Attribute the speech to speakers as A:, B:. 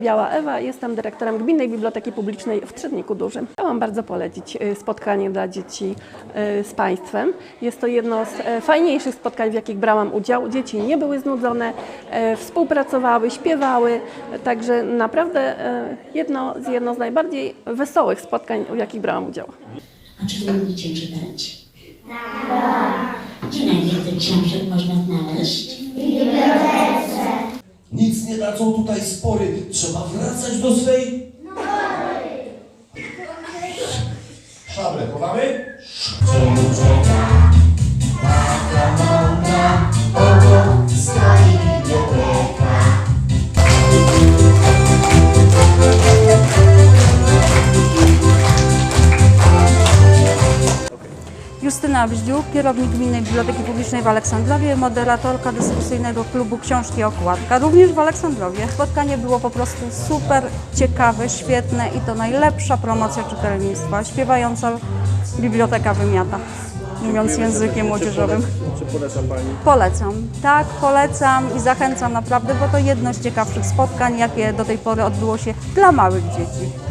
A: Biała Ewa, jestem dyrektorem Gminnej Biblioteki Publicznej w Trzebniku Dużym. Chciałam bardzo polecić spotkanie dla dzieci z Państwem. Jest to jedno z fajniejszych spotkań, w jakich brałam udział. Dzieci nie były znudzone, współpracowały, śpiewały, także naprawdę jedno z najbardziej wesołych spotkań, w jakich brałam udział.
B: A czy wy lubicie czytać? Tak. Gdzie najwięcej książek można znaleźć? W bibliotece.
C: Nic nie dadzą tutaj spory. Trzeba wracać do swej... Szablę, chowamy?
D: Stoi biblioteka.
E: Justyna Bździuk, kierownik Gminnej Biblioteki Publicznej w Aleksandrowie, moderatorka dyskusyjnego klubu Książki Okładka, również w Aleksandrowie. Spotkanie było po prostu super, ciekawe, świetne i to najlepsza promocja czytelnictwa. Śpiewająca biblioteka wymiata, mówiąc językiem młodzieżowym.
F: Czy poleca Pani?
E: Polecam, tak, polecam i zachęcam naprawdę, bo to jedno z ciekawszych spotkań, jakie do tej pory odbyło się dla małych dzieci.